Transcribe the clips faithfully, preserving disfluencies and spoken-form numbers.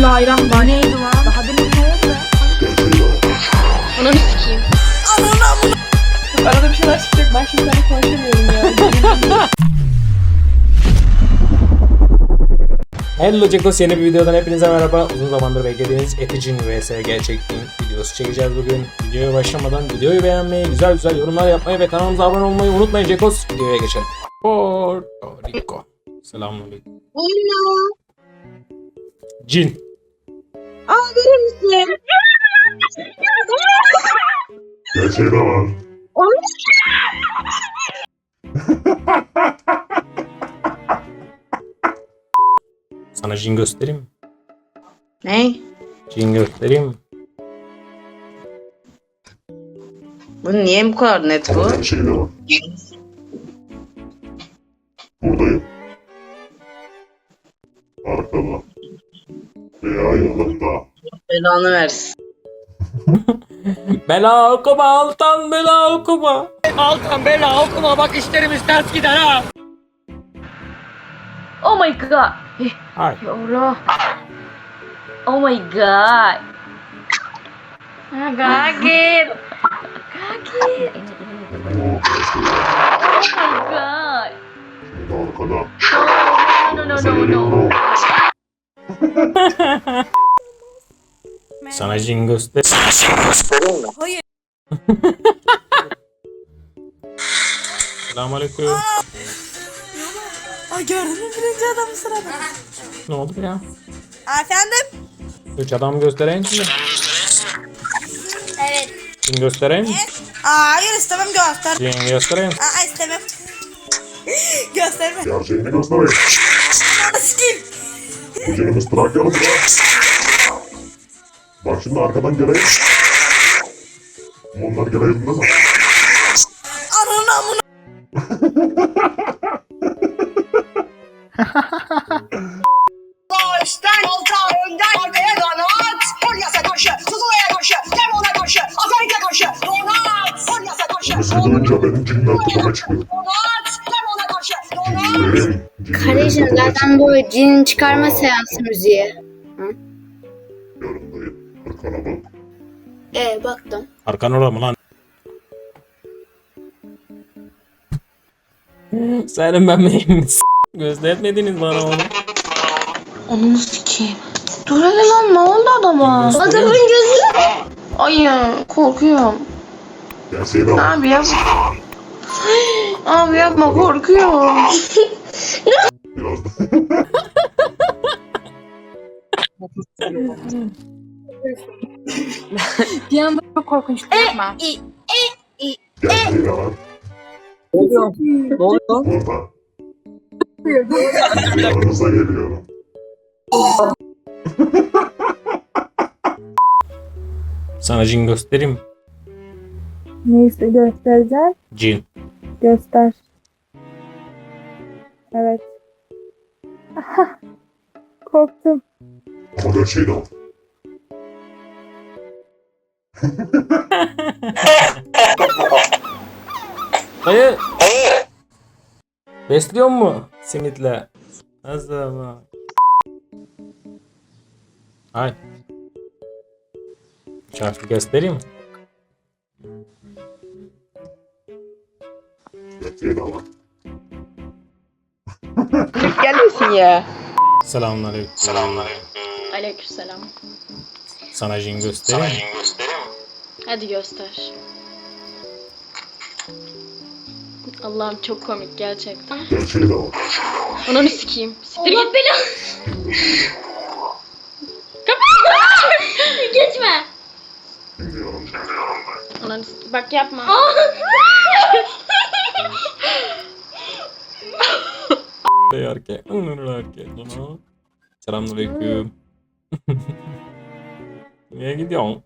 Bismillahirrahmanirrahim. Neydi lan? Daha demin ne oldu? Ananı sikeyim. Ananı. Arada bir şeyler çıkacak. Ben şimdi seninle konuşamıyorum ya. Hello Cekos, yeni bir videodan hepinize merhaba. Uzun zamandır beklediğiniz Eticin vs Gerçekliğin videosu çekeceğiz bugün. Videoya başlamadan videoyu beğenmeyi, güzel güzel yorumlar yapmayı ve kanalımıza abone olmayı unutmayın Cekos. Videoya geçelim. Porto Rico. Selamünaleyküm. Hello. Cin. Aa, verir misin? Gerçeği de var. Sana cin göstereyim mi? Ne? Cin göstereyim mi? Bu niye bu kadar net bu? Ama gerçeği de var. Buradayım. Arkada. Veya yanımda. Belanı versin. Bela okuma Altan, bela okuma. Altan bela okuma, bak işlerimiz ters gider ha. Oh my god. Hay. Ya Allah. Oh my god. Gagir. Gagir. Bu gerçeği. Oh my god. Şimdi arkada. No no no no no. Sana cin göster. Sana cin göstereyim mi? Hayır. Selamünaleyküm. Ay gördün mü birinci adamı sırada? Ne oldu ya? Efendim? Üç adam göstereyim mi? Evet. Cin göstereyim mi? Aa, hayır istemem göster. Cin göstereyim. Aa, istemem. Gösterme. Gerçeğini göstereyim. Sikeyim. Bu canımız Trakya'lı. Bak şimdi arkadan geleyim. Onlar geleyim değil mi? Ananı amına. Baştan alta, önden arkaya donat. Polyas'a karşı, Tuzula'ya karşı, Lemon'a karşı, Azerik'e karşı, donat. Polyas'a karşı, Şimdi duyunca benim cinler tepeme çıkıyor. donat. Lemon'a karşı, donat. Cinlerim. Kardeşim zaten bu cin çıkarma seansı müziği. Yanındayım. Arkana bak. Ee baktım. Arkan orada mı lan? Senin ben miyim? Göstermediniz bana onu. Ananı sikeyim. Dur hele lan, ne oldu adama? Göstereyim. Adamın gözü. Ay ya, korkuyorum. Gerçeği de var. Abi yapma. Abi yapma, korkuyorum. Biraz da. Bir anda çok korkunç, yapma. Gerçeği de var. Ne oluyor? Ne oluyor? Burada. Yanınıza geliyorum. Sana cin göstereyim mi? Neyse göstereceğim. Cin. Göster. Evet. Aha. Korktum. Ama gerçeği de var. Dayı. Besliyor mu simitle? Nasıl ama? Hay. Şarkı göstereyim mi? Gerçeği de var. Gelmesin ya. Selamünaleyküm. Selamünaleyküm. Aleykümselam. Sana cin göstereyim mi? Hadi göster. Allah'ım çok komik gerçekten. Gerçeği de var. Ananı sikeyim. Siktir git beni. Geçme. Dinliyorum. Ananı sikeyim. Bak yapma. Hey erkek. Onur erkek. Ona. Selamünaleyküm. Niye gidiyorsun?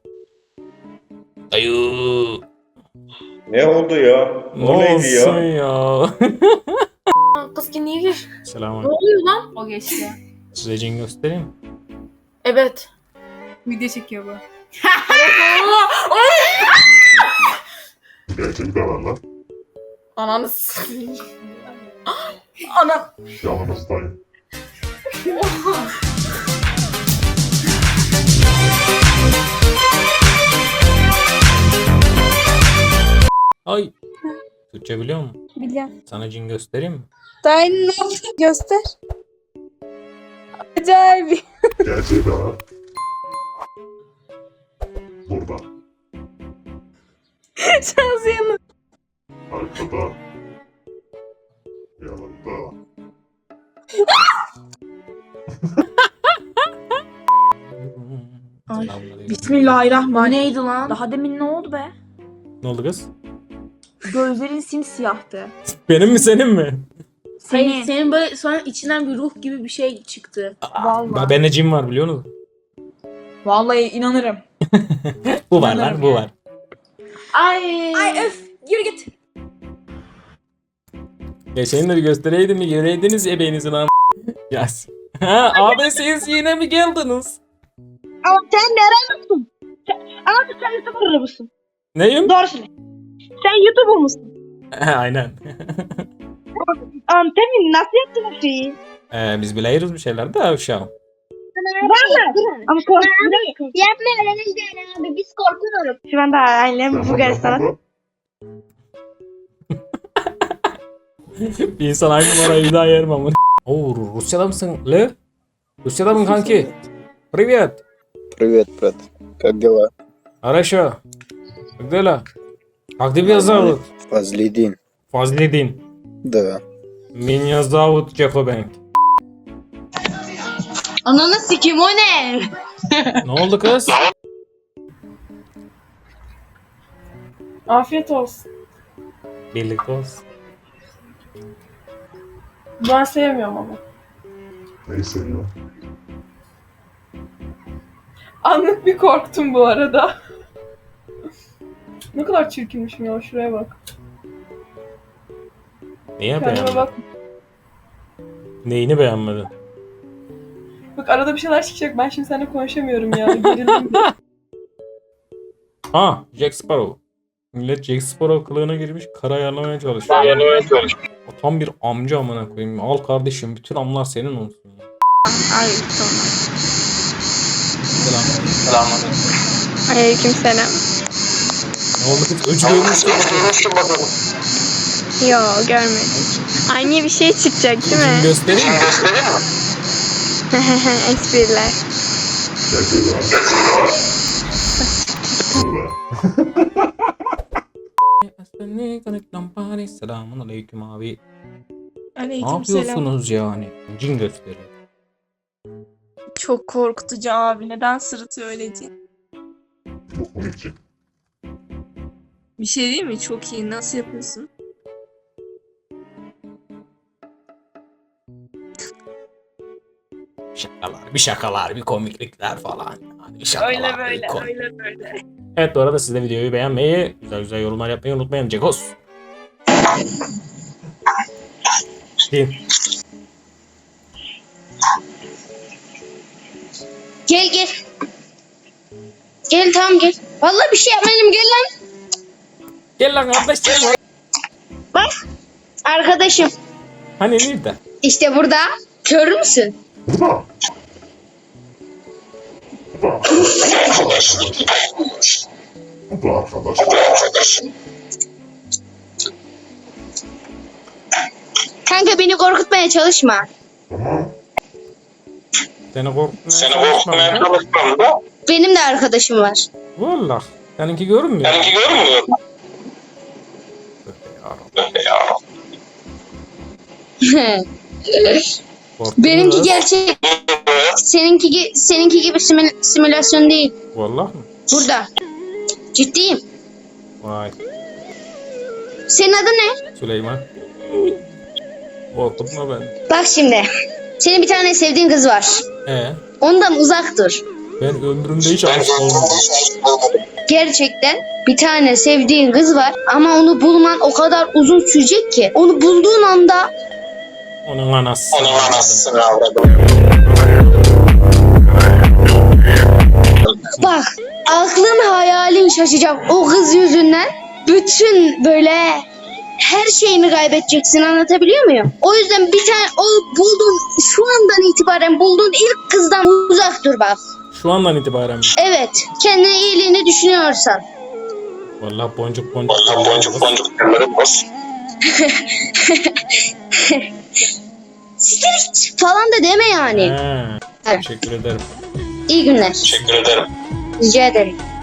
Dayı. Ne oldu ya? Ne O neydi olsun ya? ya? Kız kimliği gir. Selamünaleyküm. oluyor lan? O geçti. Size cin göstereyim mi? Evet. Video çekiyor bu. Gerçeği de var lan. Ananı sikeyim. Anam. Yanımızdayım. Ay. Türkçe biliyor musun? Biliyorum. Sana cin göstereyim mi? Daha ne yaptın? Göster. Acayip. Gerçeği daha. Burada. Şansı yanı. Arkada. Yanında. Ay. Selamünaleyküm. Bismillahirrahmanirrahim. Neydi lan? Daha demin ne oldu be? Ne oldu kız? Gözlerin simsiyahtı. Benim mi senin mi? Senin. Hayır, senin böyle sonra içinden bir ruh gibi bir şey çıktı. Vallahi. Bende cin var biliyor musun? Vallahi inanırım. Bu var lan bu var. Ay. Ay öf yürü git. Geçen de bir göstereydim mi göreydiniz ebeğinizin am... Yas. Ha abi siz yine mi geldiniz? Ama sen nerelisin? Ama sen YouTuber mısın? Neyim? Doğru söyle. Sen YouTuber musun? Aynen. Um, Temin nasıl yaptın bu şeyi? Ee, biz biliyoruz bir şeyler de uşağım. Var mı? Ama korkuyorum. Yapma öyle değil abi biz korkuyoruz. Şu anda ailem Bulgaristan'a. Bir insan aynı numarayı bir daha yerim ama. Oo Rusya'da mısın? Le? Rusya'da mı kanki? Привет. Привет, брат. Как дела? Хорошо. Как дела? Как тебя зовут? Фазлидин. Fazlidin. Да. Меня зовут Чехобенк. Ananı sikim o ne? Ne oldu kız? Afiyet olsun. Birlikte olsun. Ben sevmiyorum ama. Neyi seviyor? Anlık bir korktum bu arada. Ne kadar çirkinmişim ya, şuraya bak. Niye Kendime beğenmedin? bak. Neyini beğenmedin? Bak arada bir şeyler çıkacak, ben şimdi seninle konuşamıyorum ya. Gerildim. Ha, Jack Sparrow. Millet Jack Sparrow kılığına girmiş, kara ayarlamaya çalışıyor. Ayarlamaya çalışıyor. O tam bir amca amına koyayım. Al kardeşim, bütün amlar senin olsun. Ya. Ay tamam. Selam. Aleyküm selam. Ne oldu kız? Öcü görmüşsün. Yo görmedik. Aynı bir şey çıkacak değil Şimdi mi? göstereyim mi? Espriler. Gerçeği daha. Burada. Selamun aleyküm abi. Ne Aleyküm selam. yapıyorsunuz yani? Cin gösteri. Çok korkutucu abi. Neden sırıtıyor öylece? Çok komikçi. Bir şey değil mi? Çok iyi. Nasıl yapıyorsun? Şakalar, bir şakalar, bir komiklikler falan. Yani bir şakalar, Öyle bir böyle, komik- öyle böyle. Evet bu arada siz de videoyu beğenmeyi, güzel güzel yorumlar yapmayı unutmayın. Cekos. Kim? Gel gel. Gel tamam gel. Vallahi bir şey yapmayacağım gel lan. Gel lan kardeş gel lan. Bak arkadaşım. Hani nerede? İşte burada. Görür müsün? Burada. Burada. Burada arkadaş. Kanka beni korkutmaya çalışma. Tamam. Seni korkutmaya Seni korkutmaya Benim de arkadaşım var. Valla. Seninki görünmüyor. Seninki görmüyor. Benimki gerçek. Seninki gi- seninki gibi simül- simülasyon değil. Valla mı? Burada. Ciddiyim. Vay. Senin adın ne? Süleyman. Korkutma beni. Bak şimdi. Senin bir tane sevdiğin kız var. Ee, Ondan uzak dur. ben ömrümde hiç aşık olmadım. Gerçekten bir tane sevdiğin kız var ama onu bulman o kadar uzun sürecek ki. Onu bulduğun anda Onun anası. Onun anasını bak aklın hayalin şaşacak o kız yüzünden. Bütün böyle her şeyini kaybedeceksin, anlatabiliyor muyum? O yüzden bir tane o bulduğun şu andan itibaren bulduğun ilk kızdan uzak dur bak. Şu andan itibaren mi? Evet, kendine iyiliğini düşünüyorsan. Vallahi boncuk boncuk. Vallahi boncuk boncuk. Siktir falan da deme yani. Ha, Evet. teşekkür ederim. İyi günler. Teşekkür ederim. Rica ederim.